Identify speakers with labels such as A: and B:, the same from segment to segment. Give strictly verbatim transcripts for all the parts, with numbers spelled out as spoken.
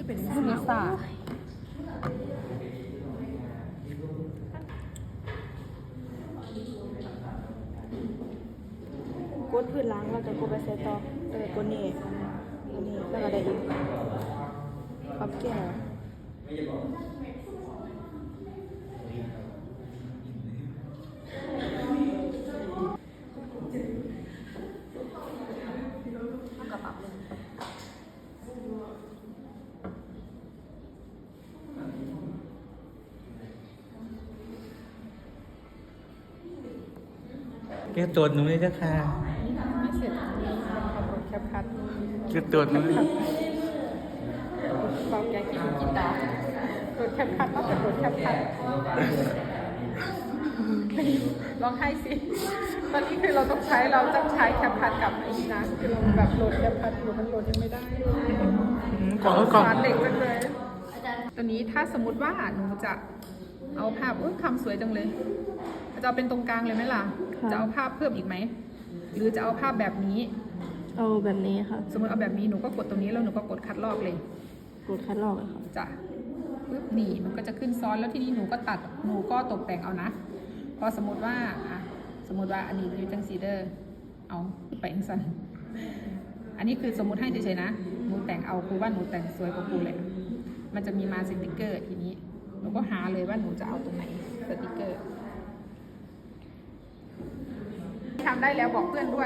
A: เป็นซีซ่าก
B: ดพื้นล้างแล้วก็กดไปใส่ต่อเออกดนี่อันนี้แล้วก็ได้อีกปรับแก้ว
A: กระปับเลย
C: แกตัวหนูเลยเจ้าค่ะ
A: ไม่เสร็จขับรถแคปคัท
C: แกตัวหนูเลย
A: เบาแกกินกินดาวรถแคปคัทต้องเป็นรถแคปคัทลองให้สิตอนนี้คือเราต้องใช้เราต้องใช้แคปคัทกับไอ้นี่นะคือเราแบบโหลดแคปคัทอยู่มันโหลดยังไม่ได้
C: กล่องกล่อง
A: สารเด็กจังเลยตัวนี้ถ้าสมมติว่าหนูจะเอาภาพอุ้ยคำสวยจังเลยจะเอาเป็นตรงกลางเลยไหมล่ะจะเอาภาพเพิ่มอีกไหมหรือจะเอาภาพแบบนี้
B: เอาแบบนี้ค่ะ
A: สมมติเอาแบบนี้หนูก็กดตรงนี้แล้วหนูก็กดคัดลอกเลย
B: กดคัดลอกเลยค่ะ
A: จ้ะปึ๊บนี่มันก็จะขึ้นซ้อนแล้วที่นี้หนูก็ตัดหนูก็ตกแต่งเอานะพอสมมติว่าอ่ะสมมติว่าอันนี้อยู่จังซีเดอร์เอาไปอังสันอันนี้คือสมมติให้เฉยๆนะหนูแต่งเอาครูว่าหนูแต่งสวยกว่าครูเลยมันจะมีมาสติกเกอร์ทีนี้หนูก็หาเลยว่าหนูจะเอาตรงไหนสติกเกอร์ทำได้แล้วบอกเพื่อนด้วย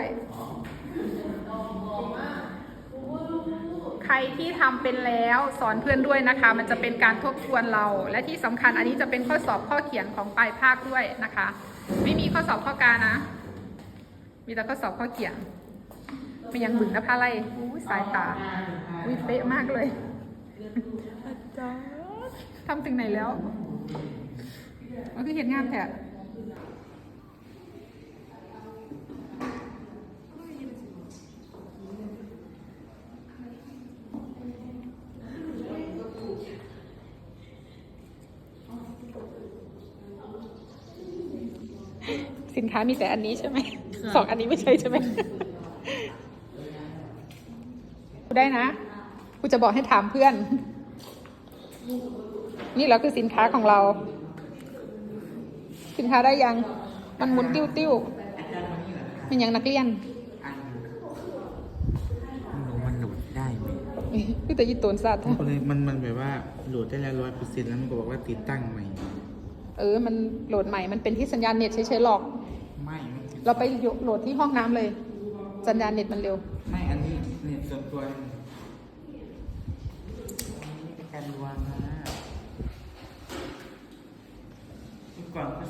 A: ใครที่ทำเป็นแล้วสอนเพื่อนด้วยนะคะ มันจะเป็นการทบทวนเรา และที่สำคัญอันนี้จะเป็นข้อสอบข้อเขียนของปลายภาคด้วยนะคะ ไม่มีข้อสอบข้อกานะ มีแต่ข้อสอบข้อเขียนมันยังบึงนะพาไรอู้สายตาอุ้ยเป๊ะมากเลยอาจารย์ทำถึงไหนแล้วมันคือเห็นงานแท้สินค้ามีแต่อันนี้ใช่ไหม สองอันนี้ไม่ใช่ใช่ไหม กูได้นะ กูจะบอกให้ถามเพื่อน นี่แหละคือสินค้าของเรา สินค้าได้ยัง มันหมุนติ้วติ้วมันยังนักเรียน
C: หนูมันโหลดได้ไหม
A: คือแต่ยีตูนสัตว์
C: มันก็เลยมันมันแบบว่าโหลดได้แล้วร้อยเปอร์เซ็นต์แล้วมันก็บอกว่าติดตั้งใหม่
A: เออ มันโหลดใหม่ มันเป็นที่สัญญาณเน็ตเฉยๆหรอก
C: ไม่มันติด
A: เราไปโหลดที่ห้องน้ำเลย สัญญาณเน็ตมันเร็ว
C: ไม่อันนี้เน็ตส่วนตัวนี่เป็นการรวมนะเมื่อก่อนก็